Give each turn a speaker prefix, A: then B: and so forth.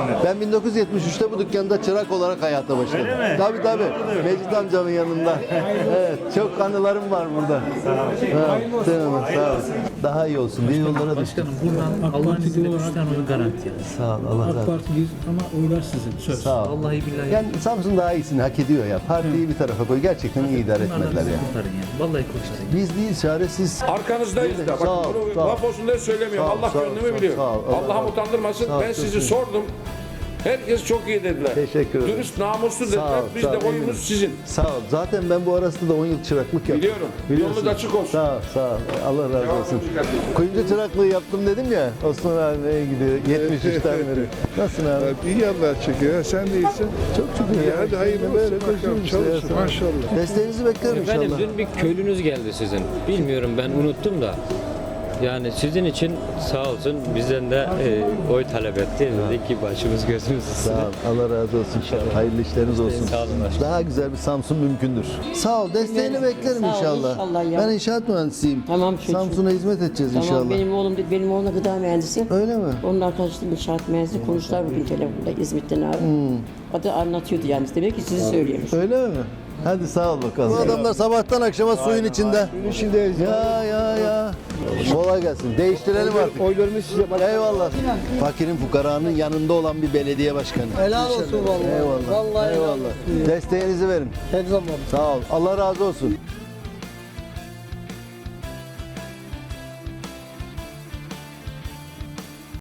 A: Ben 1973'te bu dükkanda çırak olarak hayata başladım.
B: Öyle mi?
A: Tabii tabii. Mecit amcamın yanında. Evet, çok anılarım var burada. Ha, sağ ol. Daha iyi olsun diye yollara düştüm.
C: Başkanım buradan Allah'ın izniyle 3 tane oy garanti yani.
A: Sağ ol, Allah razı
C: AK
A: olsun.
C: Parti'yiz ama oylar sizin. Söz.
A: Sağ ol.
C: Vallahi billahi.
A: Yani Samsun daha iyisini hak ediyor ya. Partiyi bir tarafa koy. Gerçekten iyi idare etmediler ya.
C: Kurtarın yani. Vallahi kurtarın.
A: Biz değil, çaresiz.
D: Arkanızdayız da.
A: Sağ ol,
D: Bak bunu
A: sağ ol.
D: laf olsun diye söylemiyorum.
A: Sağ ol,
D: Allah
A: sağ ol,
D: gönlümü
A: sağ ol,
D: biliyor.
A: sağ ol.
D: Allah'ım utandırmasın.
A: Sağ ol,
D: Ben
A: çok
D: sizi
A: teşekkür
D: sordum. Herkes çok iyi dediler.
A: Teşekkür ederim.
D: Dürüst, namuslu
A: Sağ
D: dediler.
A: ol,
D: Biz
A: sağ
D: de
A: ol,
D: oyumuz
A: eminim.
D: sizin.
A: Sağ ol. Zaten ben bu arasında da 10 yıl çıraklık yaptım.
D: Biliyorum.
A: Biliyorsun.
D: Yolunuz açık olsun.
A: Sağ ol, sağ ol. Allah razı olsun. Kuyumcu çıraklığı yaptım dedim ya. Osman abiye gidiyor. 73'ten beri. Nasılsın abi?
E: İyi Allah çekiyor. Sen de iyisin.
A: Çok şükür ya.
E: Hadi hayırlı
A: Böyle
E: olsun bakalım.
A: koşuyoruz işte ya.
E: Çalışın maşallah.
A: Desteğinizi beklerim
F: Efendim
A: inşallah.
F: dün bir köylünüz geldi sizin. Bilmiyorum ben unuttum da. Yani sizin için sağ olsun bizden de oy talep etti. Dedi ki başımız gözümüz
A: Sağ
F: üstüne.
A: ol. Allah razı olsun. Hayırlı işleriniz olsun.
F: Sağ olun başkanım.
A: Daha güzel bir Samsun mümkündür. Sağ ol. Desteğini beklerim
G: Sağ ol,
A: inşallah.
G: inşallah ya.
A: Ben inşaat mühendisiyim.
G: Tamam çocuğum.
A: Samsun'a hizmet edeceğiz
G: Tamam
A: inşallah.
G: benim oğlum gıda mühendisi.
A: Öyle mi?
G: Onun arkadaşları inşaat mühendisi konuştular bugün telefonda İzmit'ten abi. O da anlatıyordu yani. Demek ki sizi söylüyormuş.
A: Öyle mi? Hadi sağ ol bakalım. Bu adamlar sabahtan akşama suyun içinde. Suyun içindeyiz. Ya. Kolay gelsin. Değiştirelim artık.
E: Oylarımız size bak.
A: Eyvallah. Fakirin fukaranın yanında olan bir belediye başkanı.
H: Helal olsun vallahi.
A: Eyvallah.
H: Vallahi helal
A: Eyvallah. Desteğinizi verin.
H: Her zaman.
A: Sağ ol. Allah razı olsun.